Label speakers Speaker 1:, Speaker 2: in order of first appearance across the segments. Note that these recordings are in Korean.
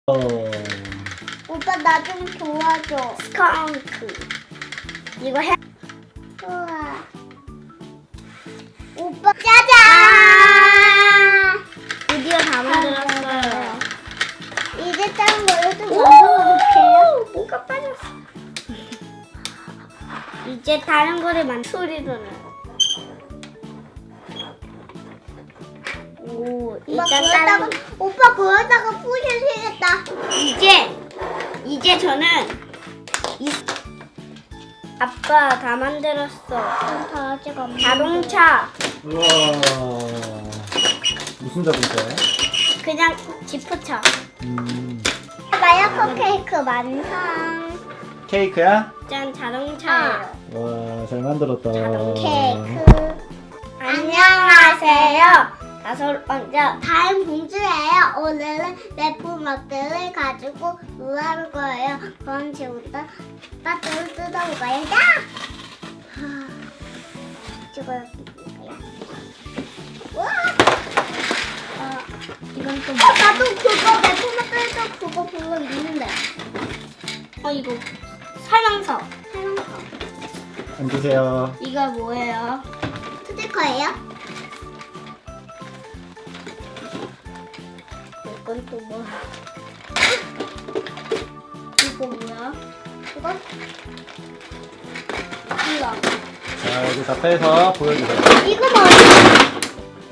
Speaker 1: 오빠 나 좀 도와줘. 스컹크. 이거 해. 우와. 오빠 짜잔! 드디어 다 만들었어요. 이제 다른 걸로 좀 만들어볼게요. 뭐가 빠졌어. 이제 다른 거를 소리도 나요. 오, 오빠 그러다가 부셔지겠다. 이제 저는 아빠 다 만들었어. 다 아직 안 자동차.
Speaker 2: 우와. 무슨 자동차야?
Speaker 1: 그냥 지프차.
Speaker 2: 음.
Speaker 1: 마야코 케이크 완성.
Speaker 2: 케이크야?
Speaker 1: 짠, 자동차예요.
Speaker 2: 와, 잘 만들었다.
Speaker 1: 케이크. 안녕하세요. 먼저 다음 공주예요. 오늘은 제품들을 가지고 놀아볼 거예요. 그럼 지금부터 빠뜨를 뜯어볼까요? 야! 이거요. 와! 이건 또 뭐? 나도 그거 제품들도 그거 별로 있는데. 이거 설명서.
Speaker 2: 앉으세요.
Speaker 1: 이거 뭐예요? 스티커예요? 이건 또 뭐야? 이거 뭐야? 이거?
Speaker 2: 자, 여기 다 빼서 보여주세요.
Speaker 1: 이거 뭐야?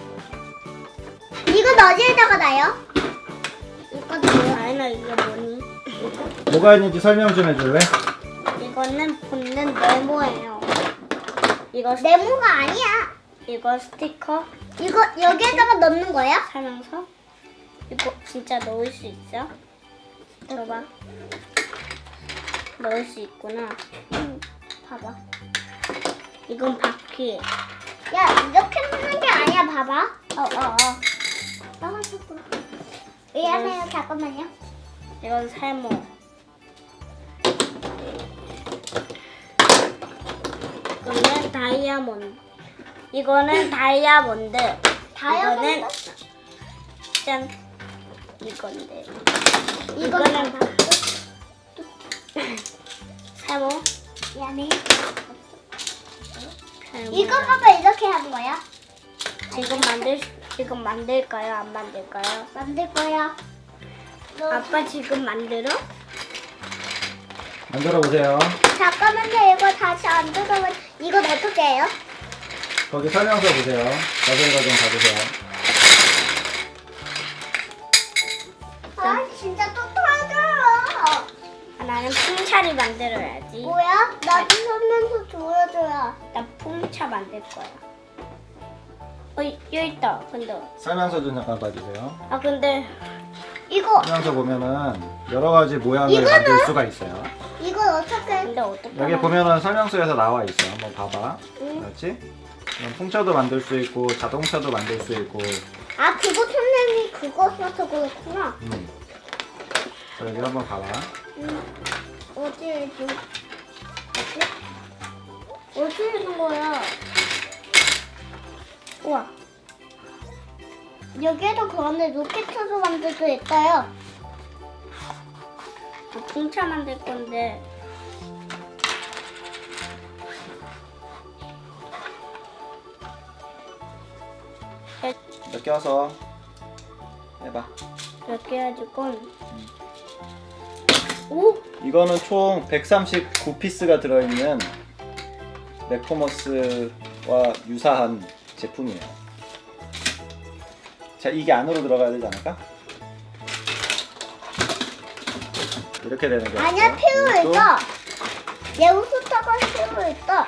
Speaker 1: 이건 어디에다가 놔요? 이건 뭐야? 아니나 이게 뭐니?
Speaker 2: 뭐가 있는지 설명 좀 해줄래?
Speaker 1: 이거는 붙는 네모예요. 이거 네모가 아니야. 이거 스티커. 이거 여기에다가 넣는 거야? 설명서. 이거 진짜 넣을 수 있어? 들어봐. 넣을 수 있구나. 봐봐. 이건 바퀴. 야, 이렇게 넣는 게 아니야. 봐봐. 미안해요. 잠깐만요. 이건 세모. 이거는 다이아몬드. 이거는 다이아몬드. 이거는 짠. 이건데. 이거는 세모. 미안해. 이거 봐봐. 이렇게 하는 거야? 지금 만들까요? 안 만들까요? 만들 거야. 아빠 지금 만들어?
Speaker 2: 만들어 보세요.
Speaker 1: 잠깐만요. 이거 다시 안 들어가면 이건 어떻게 해요?
Speaker 2: 거기 설명서 보세요. 자세히 좀 봐주세요.
Speaker 1: 아, 진짜 또 터져. 나는 풍차를 만들어야지. 뭐야? 나도 설명서 보여줘야. 나 풍차 만들 거야. 여기 있다. 근데.
Speaker 2: 설명서 좀 잠깐 봐주세요.
Speaker 1: 근데 이거
Speaker 2: 설명서 보면은 여러 가지 모양을 만들 수가 있어요.
Speaker 1: 이건 어떻게? 근데 어떻게?
Speaker 2: 여기 보면은 설명서에서 나와 있어. 한번 봐봐.
Speaker 1: 응.
Speaker 2: 그렇지? 그럼 풍차도 만들 수 있고 자동차도 만들 수 있고.
Speaker 1: 그거 선생님이 그거 써서 그렇구나.
Speaker 2: 자, 여기 한번 봐봐.
Speaker 1: 어디 있는 거야? 우와. 여기에도 그런데 로켓으로 만들 수 있어요. 풍차 만들 건데.
Speaker 2: 이렇게 와서 해봐.
Speaker 1: 이렇게 해가지고. 오!
Speaker 2: 이거는 총 139피스가 들어있는 맥포머스와 유사한 제품이에요. 자, 이게 안으로 들어가야 되지 않을까? 이렇게 되는 게
Speaker 1: 아니야, 필요 있어. 예우스타가 필요 있어.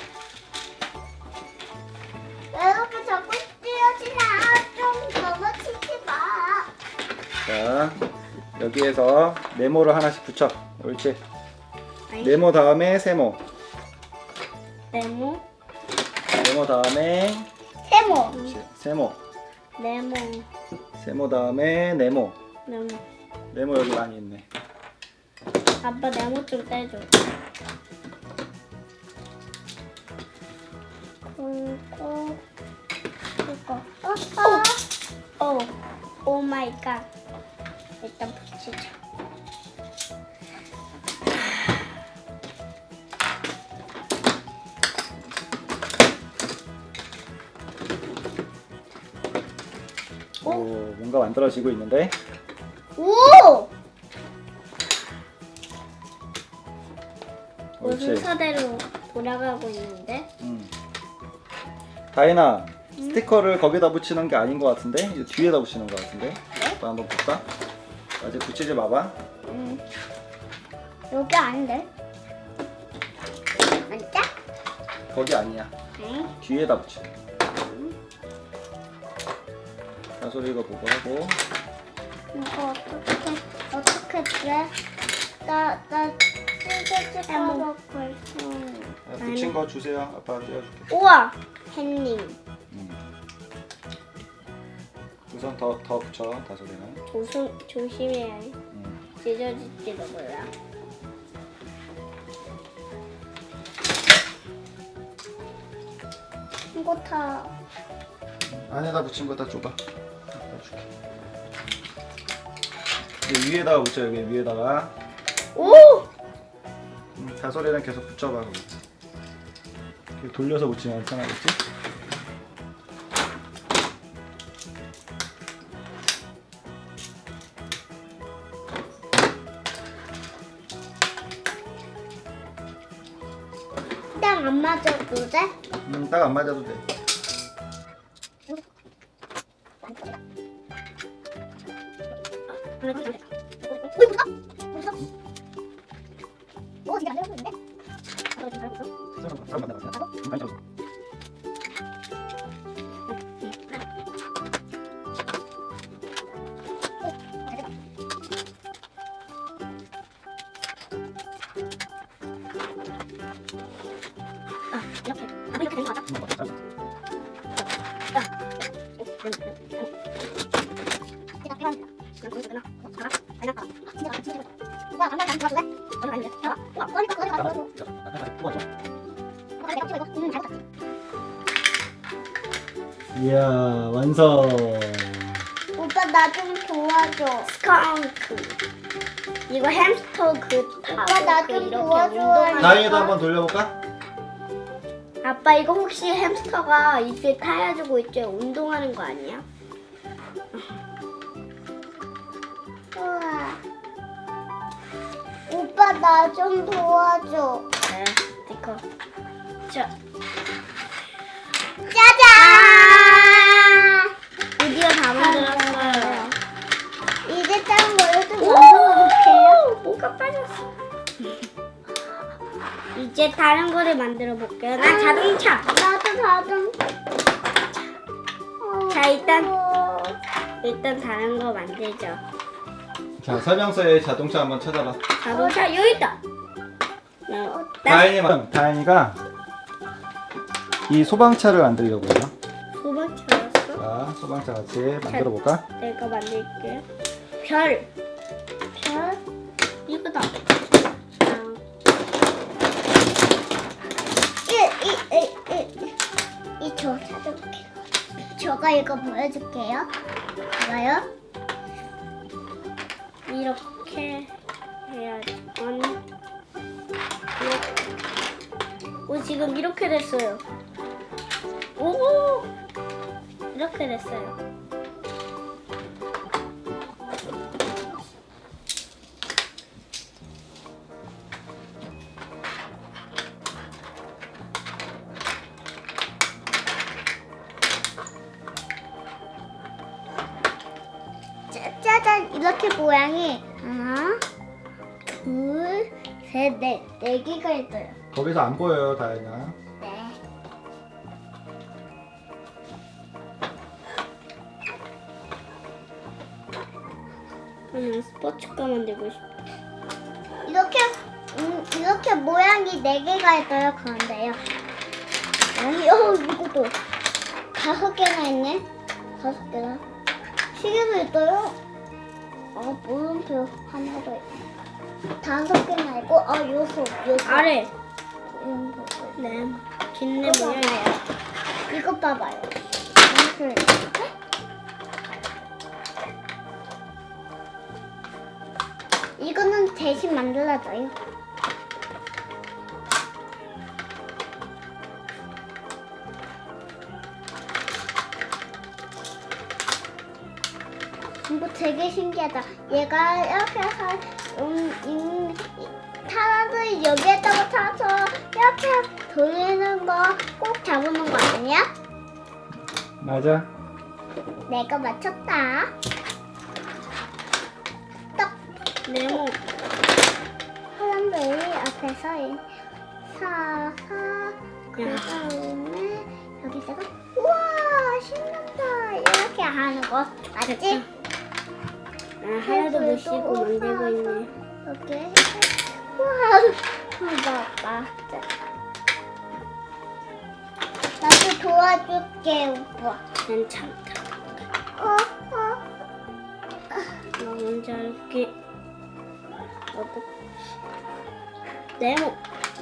Speaker 1: 왜 이렇게 자꾸 찢어지나? 좀 넘어치지 마.
Speaker 2: 자, 여기에서 네모를 하나씩 붙여. 옳지. 네모 다음에 세모.
Speaker 1: 네모.
Speaker 2: 네모 다음에
Speaker 1: 세모.
Speaker 2: 그렇지. 세모.
Speaker 1: 네모.
Speaker 2: 세모 다음에 네모.
Speaker 1: 네모.
Speaker 2: 네모 여기 많이 있네.
Speaker 1: 아빠 네모 좀 떼줘. 그리고 이거. 오 마이 갓. 일단 붙이자.
Speaker 2: 오, 뭔가 만들어지고 있는데.
Speaker 1: 오!
Speaker 2: 옳지.
Speaker 1: 순서대로 돌아가고 있는데.
Speaker 2: 다인아, 스티커를 거기다 붙이는 게 아닌 것 같은데? 이제 뒤에다 붙이는 것 같은데? 아빠 한번 볼까? 아직 붙이지 마봐.
Speaker 1: 여기 아닌데? 맞다?
Speaker 2: 거기 아니야.
Speaker 1: 응?
Speaker 2: 뒤에다 붙여. 다솔이 이거 보고 하고.
Speaker 1: 이거 어떻게 돼? 나 찢어질 거
Speaker 2: 붙인 거 주세요. 아빠가 떼어줄게.
Speaker 1: 우와! 햇님.
Speaker 2: 우선 더 붙여, 다솔이는.
Speaker 1: 조심해야 해. 찢어질지도 몰라. 이거 다
Speaker 2: 안에다 붙인 거 다 줘봐. 아빠 줄게. 이제 위에다가 붙여, 여기 위에다가.
Speaker 1: 오!
Speaker 2: 다솔이는 계속 붙여봐. 이렇게 돌려서 붙이면 편하겠지?
Speaker 1: 딱 안 맞아도 돼?
Speaker 2: 딱 안 맞아도 돼.
Speaker 1: 오, 진짜 안 되는데? 이렇게 된 거 같아?
Speaker 2: 이야, 완성.
Speaker 1: 오빠 나 좀 도와줘. 스컹크. 이거 햄스터 오빠 나 좀 도와줘.
Speaker 2: 다인이도 한번 돌려볼까?
Speaker 1: 아빠 이거 혹시 햄스터가 입에 타야지고 있죠? 운동하는 거 아니야? 우와. 오빠 나 좀 도와줘. 네, 스티커. 자. 짜잔! 드디어 다 만들었어요. 이제 다른 거를 좀 만들어볼게요. 뭐가 빠졌어. 이제 다른 거를 만들어 볼게요. 난 자동차. 나도 자동차. 자, 일단 다른 거 만들죠.
Speaker 2: 자, 설명서에 자동차 한번 찾아봐.
Speaker 1: 자동차 여기 있다.
Speaker 2: 다인이가 이 소방차를 만들려고 해요.
Speaker 1: 소방차였어?
Speaker 2: 자, 소방차 같이 만들어 볼까?
Speaker 1: 내가 만들게. 별. 이거다. 저 찾아볼게요. 저가 이거 보여줄게요. 봐요. 이렇게 해야지. 오, 지금 이렇게 됐어요. 오, 이렇게 됐어요. 짜잔, 이렇게 모양이 하나, 둘, 셋, 넷, 네 개가 있어요.
Speaker 2: 거기서 안 보여요, 다인아.
Speaker 1: 네. 그냥 스포츠카 만들고 싶어. 이렇게 모양이 네 개가 있어요. 그런데요. 아니, 이것도 5개나 있네. 5개나. 시계도 있어요. 물음표 하나도 있고. 5개나 있고, 6. 아래. 네. 긴네 모양이에요. 이거 봐봐요. 이렇게. 이거는 대신 만들어줘요. 이거 되게 신기하다. 얘가 이렇게 해서 타라를 여기에다가 타서 이렇게 돌리는 거 꼭 잡는 거 아니야?
Speaker 2: 맞아.
Speaker 1: 내가 맞췄다. 딱
Speaker 3: 네모.
Speaker 1: 사람들이 앞에서 사사 그 다음에 여기다가 우와 신난다 이렇게 하는 거 맞지?
Speaker 3: 하나도 못 씻고 만들고 있네.
Speaker 1: 이렇게 우와 맞다. 나도 도와줄게 오빠.
Speaker 3: 괜찮다.
Speaker 1: 어.
Speaker 3: 나 먼저 할게. 네모.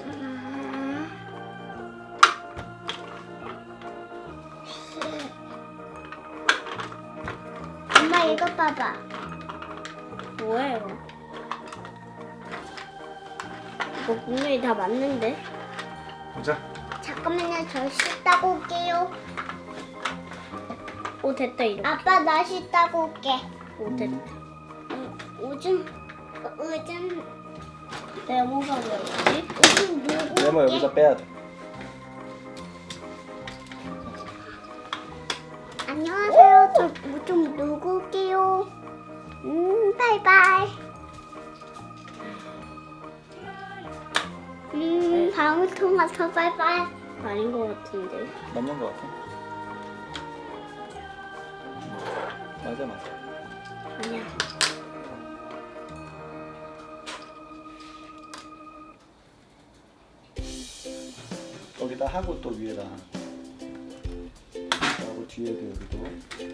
Speaker 1: 엄마 이거 봐봐.
Speaker 3: 뭐예요? 이거 분명히 다 맞는데?
Speaker 2: 보자.
Speaker 1: 잠깐만요, 저 씻다고 올게요.
Speaker 3: 오 됐다 이렇게.
Speaker 1: 아빠 나 씻다고 올게.
Speaker 3: 오 됐다.
Speaker 1: 오줌
Speaker 3: 네모가 뭐였지?
Speaker 1: 오줌 누구?
Speaker 2: 네모 여기서 빼야 돼.
Speaker 1: 안녕하세요. 저 오줌 누구 올게요. 바이바이. 방울토마토 바이바이.
Speaker 3: 아닌 것 같은데.
Speaker 2: 맞는 거 같아. 맞아.
Speaker 3: 아니야.
Speaker 2: 여기다 하고 또 위에다 하고 뒤에도 여기도.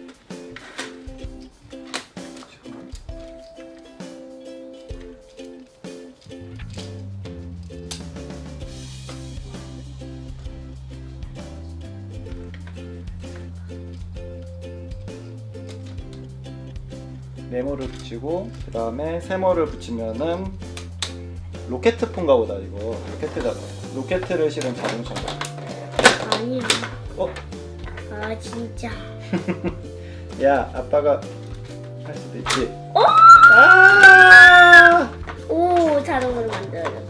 Speaker 2: 네모를 붙이고 그 다음에 세모를 붙이면은 로켓폰가 보다. 이거 로켓잖아. 로켓을 실은 자동차인가?
Speaker 3: 아니야.
Speaker 2: 어?
Speaker 3: 아 진짜.
Speaker 2: 야 아빠가 할 수도 있지.
Speaker 3: 어?
Speaker 2: 아!
Speaker 3: 오 자동으로 만들어졌다.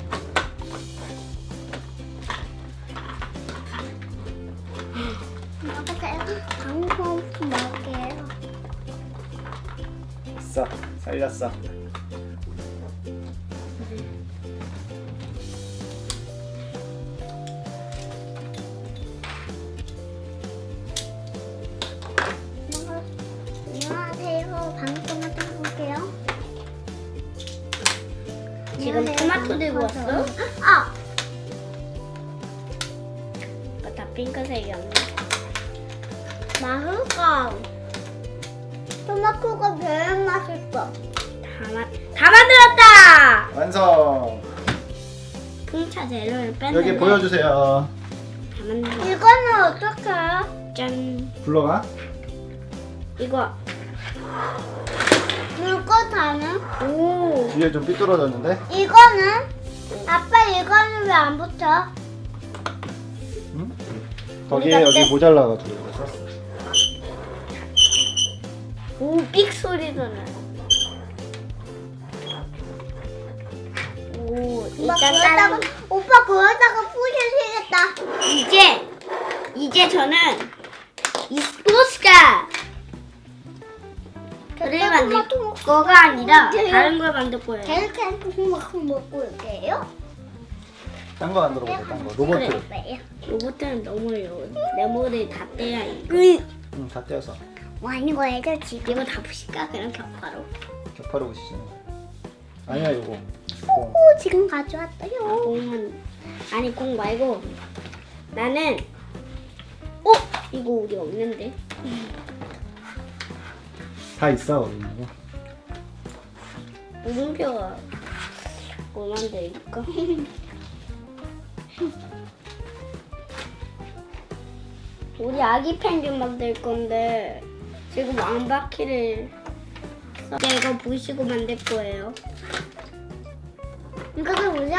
Speaker 1: 먹으세요. 방울토마토 먹을게요.
Speaker 2: 됐어. 살렸어.
Speaker 1: 안녕하세요. 방울토마토 먹을게요.
Speaker 3: 지금
Speaker 1: 안녕하세요,
Speaker 3: 토마토 들고
Speaker 1: 방울토마토.
Speaker 3: 왔어?
Speaker 1: 아!
Speaker 3: 다 핑크색이었네.
Speaker 1: 맛있어. 토마토가 제일 맛있어.
Speaker 3: 다 만들었다.
Speaker 2: 완성.
Speaker 3: 풍차 재료를 뺐는데
Speaker 2: 여기 보여주세요.
Speaker 3: 다 만들었다.
Speaker 1: 이거는 어떻게 해요?
Speaker 3: 짠.
Speaker 2: 불러가.
Speaker 3: 이거.
Speaker 1: 물고 다는?
Speaker 3: 오.
Speaker 2: 뒤에 좀 삐뚤어졌는데.
Speaker 1: 이거는? 아빠 이거는 왜 안 붙여?
Speaker 2: 응? 거기에 여기 모자라가지고 이거 썼어.
Speaker 3: 오, 삑 소리도 나. 오,
Speaker 1: 오빠
Speaker 3: 일단
Speaker 1: 그러다가
Speaker 3: 다른
Speaker 1: 오빠 그러다가 부셔지겠다.
Speaker 3: 이제 저는 이 소스가 그를 만들 거가 아니라 다른 걸 만들 거예요.
Speaker 1: 이렇게 토마토 먹고 올게요.
Speaker 2: 딴 거 만들어 보자. 딴 거. 로봇.
Speaker 3: 그래. 로봇은 너무해요. 네모를 다 떼야 이거.
Speaker 2: 응, 다 떼어서.
Speaker 1: 뭐 하는 거예요 지금?
Speaker 3: 이거 다 부실까? 그냥 격파로.
Speaker 2: 격파로 보시죠. 아니야 이거.
Speaker 1: 오 지금 가져왔어요.
Speaker 3: 공은 아니 공 말고 나는 이거 우리 없는데.
Speaker 2: 다 있어 우리 이거.
Speaker 3: 물음표가 뭐 만들까? 우리 아기 펭귄 만들 건데 지금 왕바퀴를 이제 이거 보시고 만들 거예요.
Speaker 1: 이거도 보자.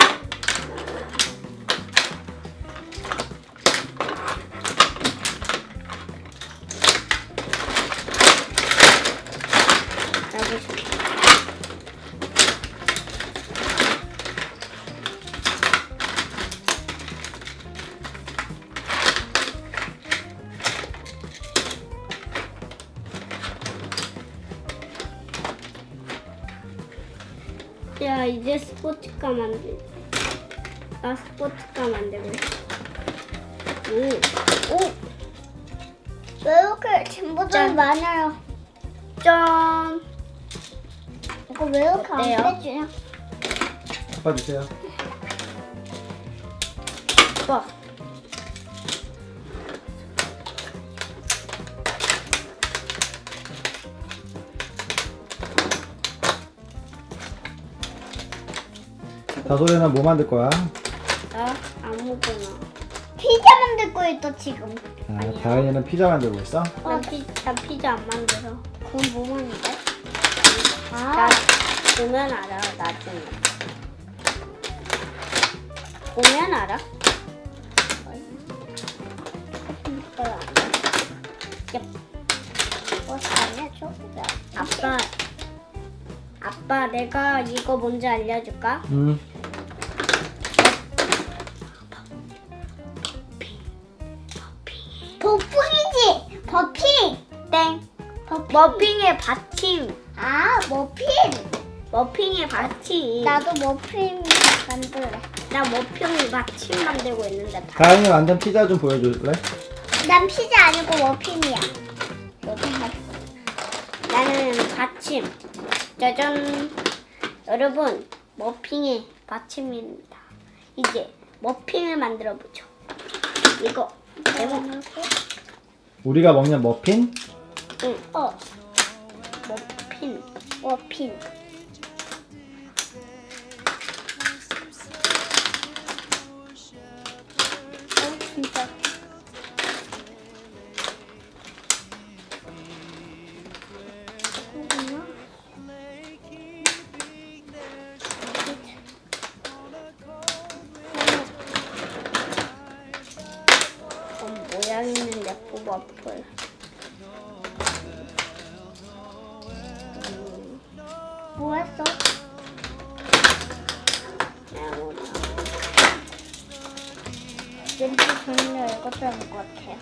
Speaker 3: 야, 이제 스포츠카 만들. 나 스포츠카 만들고 있어. 오,
Speaker 1: 왜 이렇게 진보점이
Speaker 3: 짠.
Speaker 1: 많아요?
Speaker 3: 짠.
Speaker 1: 이거 왜 이렇게
Speaker 3: 어때요?
Speaker 1: 안 빼주냐?
Speaker 2: 아빠 주세요.
Speaker 3: 와.
Speaker 2: 다솔이는 뭐 만들 거야?
Speaker 3: 나 아무거나.
Speaker 1: 피자 만들고 있어 지금.
Speaker 2: 아, 다은이는 피자 만들고 있어?
Speaker 3: 나 피자 안 만들어.
Speaker 1: 그건 뭐 만든대?
Speaker 3: 나
Speaker 1: 아,
Speaker 3: 보면 알아, 나중에. 보면 알아?
Speaker 1: 이거야.
Speaker 3: 야,
Speaker 1: 뭐 알려줘?
Speaker 3: 아빠, 내가 이거 뭔지 알려줄까?
Speaker 2: 응.
Speaker 1: 버핑이지. 버핑.
Speaker 3: 땡.
Speaker 1: 버핑.
Speaker 3: 머핀의 받침.
Speaker 1: 아, 머핀.
Speaker 3: 머핀의 받침.
Speaker 1: 나도 머핀 만들래.
Speaker 3: 나 머핀 받침 만들고 있는데 다.
Speaker 2: 다은이 만든 피자 좀 보여줄래?
Speaker 1: 난 피자 아니고 머핀이야. 머핀 맛있어.
Speaker 3: 나는 받침. 짜잔. 여러분, 머핀의 받침입니다. 이제 머핀을 만들어 보죠. 이거 레몬.
Speaker 2: 우리가 먹는 머핀?
Speaker 3: 응.
Speaker 1: 머핀. 진짜.
Speaker 3: 모양 있는데 뽑아볼.
Speaker 1: 뭐 했어? 왠지 저는 이것도 한것 같아요.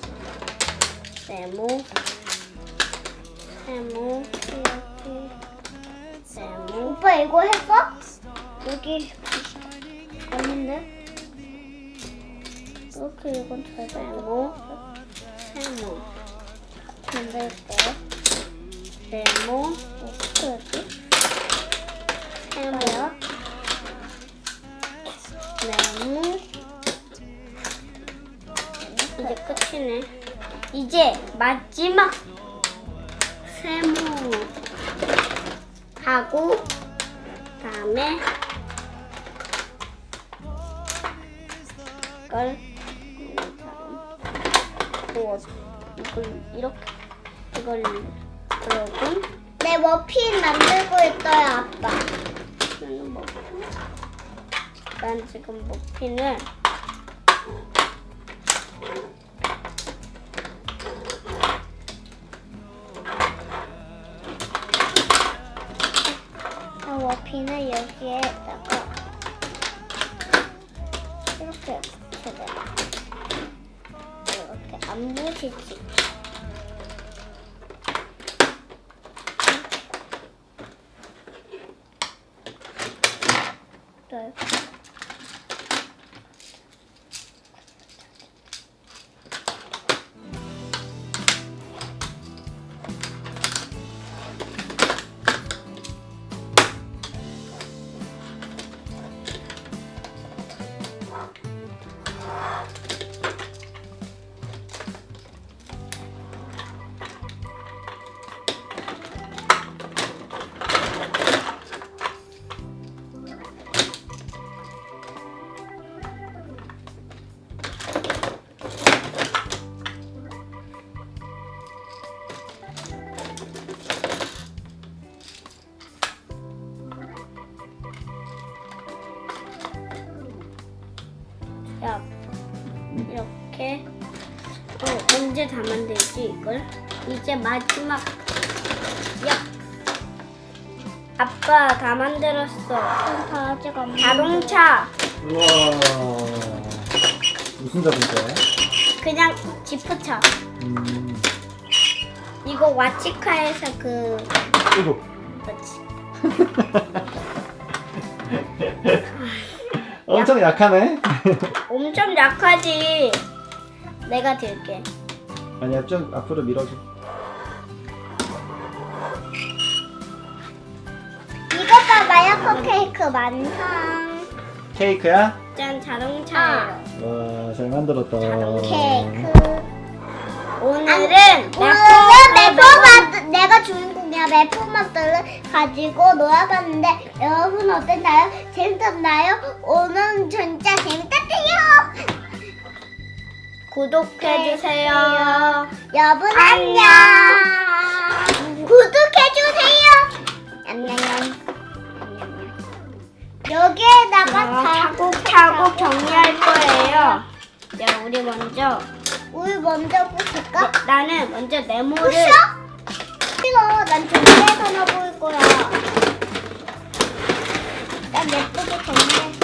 Speaker 3: 세모,
Speaker 1: 오빠 이거 했어? 여기 아닌데? 이렇게 이건 잘
Speaker 3: 세모,
Speaker 1: 만들게.
Speaker 3: 세모,
Speaker 1: 어떻게 하지?
Speaker 3: 세모, 네모. 이제 끝이네. 이제 마지막 세모 하고 다음에 이걸 이걸 이렇게 이걸 그러고
Speaker 1: 내 머핀 만들고 있어요, 아빠.
Speaker 3: 저는 머핀. 난 지금 머핀을
Speaker 1: 머핀을 여기에다가 이렇게 붙여야 이렇게 안 부시지. 네.
Speaker 3: 야, 이렇게. 언제 다 만들지 이걸? 이제 마지막. 야, 아빠 다 만들었어.
Speaker 1: 다 아직 안
Speaker 3: 자동차.
Speaker 2: 우와. 무슨 자동차야?
Speaker 3: 그냥 지프차. 이거 와치카에서
Speaker 2: 이거.
Speaker 3: 그렇지.
Speaker 2: 엄청 약하네.
Speaker 3: 엄청 약하지. 내가 들게.
Speaker 2: 아니야, 좀 앞으로 밀어줘.
Speaker 1: 이거 봐봐요. 컵케이크 완성.
Speaker 2: 케이크야?
Speaker 3: 짠, 자동차예요.
Speaker 2: 와, 잘 만들었다.
Speaker 1: 케이크.
Speaker 3: 오늘은
Speaker 1: 매포마트 내가 주인공이야. 매포마트를 가지고 놀아봤는데 여러분 어땠나요? 재밌었나요? 오늘 진짜 재밌었대요.
Speaker 3: 구독해주세요.
Speaker 1: 여러분 안녕. 구독해주세요. 안녕. 여기에다가
Speaker 3: 차곡차곡 정리할 거예요. 자, 우리 먼저.
Speaker 1: 우리 먼저 부실까?
Speaker 3: 나는 먼저 네모를.
Speaker 1: 부셔? 싫어. 난 정리해서 놔볼 거야. 난 예쁘게 정리해.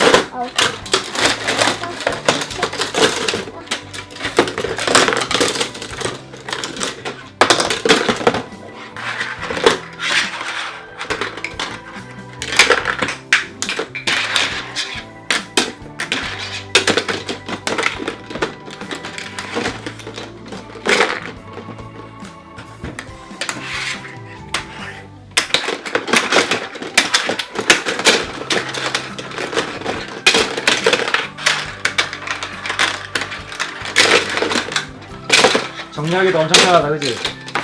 Speaker 2: 정리하기도 엄청 편하다, 그지?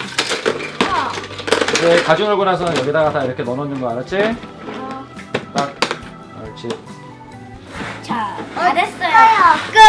Speaker 2: 이제 가지고 놀고 나서는 여기다가 다 이렇게 넣어놓는 거 알았지? 딱. 옳지.
Speaker 3: 자, 다 됐어요.
Speaker 1: 끝.